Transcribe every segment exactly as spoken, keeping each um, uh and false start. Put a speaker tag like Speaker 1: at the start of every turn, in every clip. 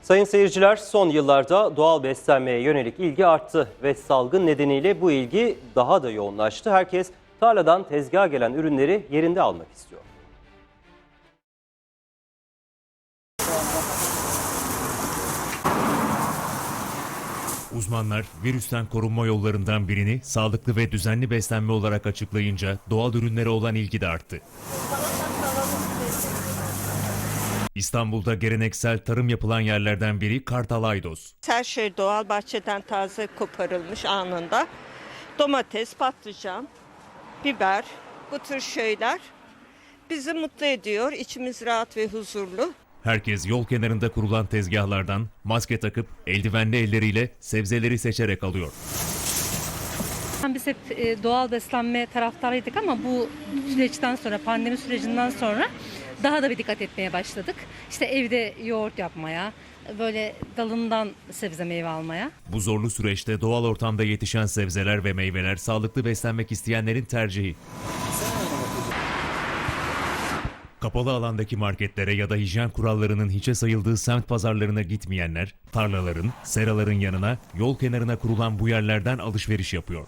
Speaker 1: Sayın seyirciler, son yıllarda doğal beslenmeye yönelik ilgi arttı ve salgın nedeniyle bu ilgi daha da yoğunlaştı. Herkes tarladan tezgaha gelen ürünleri yerinde almak istiyor.
Speaker 2: Uzmanlar virüsten korunma yollarından birini sağlıklı ve düzenli beslenme olarak açıklayınca doğal ürünlere olan ilgi de arttı. İstanbul'da geleneksel tarım yapılan yerlerden biri Kartal Aydos.
Speaker 3: Her şey doğal, bahçeden taze koparılmış anında. Domates, patlıcan, biber, bu tür şeyler bizi mutlu ediyor. İçimiz rahat ve huzurlu.
Speaker 2: Herkes yol kenarında kurulan tezgahlardan maske takıp eldivenli elleriyle sebzeleri seçerek alıyor.
Speaker 4: Biz hep doğal beslenme taraftarıydık ama bu süreçten sonra, pandemi sürecinden sonra daha da bir dikkat etmeye başladık. İşte evde yoğurt yapmaya, böyle dalından sebze meyve almaya.
Speaker 2: Bu zorlu süreçte doğal ortamda yetişen sebzeler ve meyveler sağlıklı beslenmek isteyenlerin tercihi. Kapalı alandaki marketlere ya da hijyen kurallarının hiçe sayıldığı semt pazarlarına gitmeyenler, tarlaların, seraların yanına, yol kenarına kurulan bu yerlerden alışveriş yapıyor.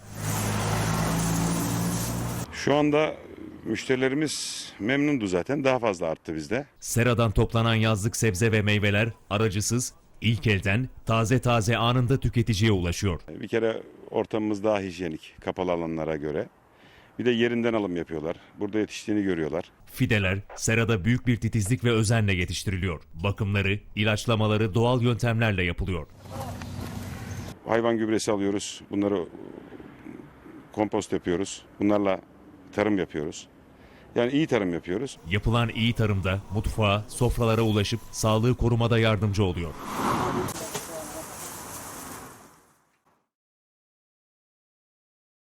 Speaker 5: Şu anda müşterilerimiz memnundu zaten. Daha fazla arttı bizde.
Speaker 2: Seradan toplanan yazlık sebze ve meyveler aracısız, ilk elden, taze taze anında tüketiciye ulaşıyor.
Speaker 5: Bir kere ortamımız daha hijyenik kapalı alanlara göre. Bir de yerinden alım yapıyorlar. Burada yetiştiğini görüyorlar.
Speaker 2: Fideler serada büyük bir titizlik ve özenle yetiştiriliyor. Bakımları, ilaçlamaları doğal yöntemlerle yapılıyor.
Speaker 5: Hayvan gübresi alıyoruz. Bunları kompost yapıyoruz. Bunlarla tarım yapıyoruz. Yani iyi tarım yapıyoruz.
Speaker 2: Yapılan iyi tarımda mutfağa, sofralara ulaşıp sağlığı korumada yardımcı oluyor.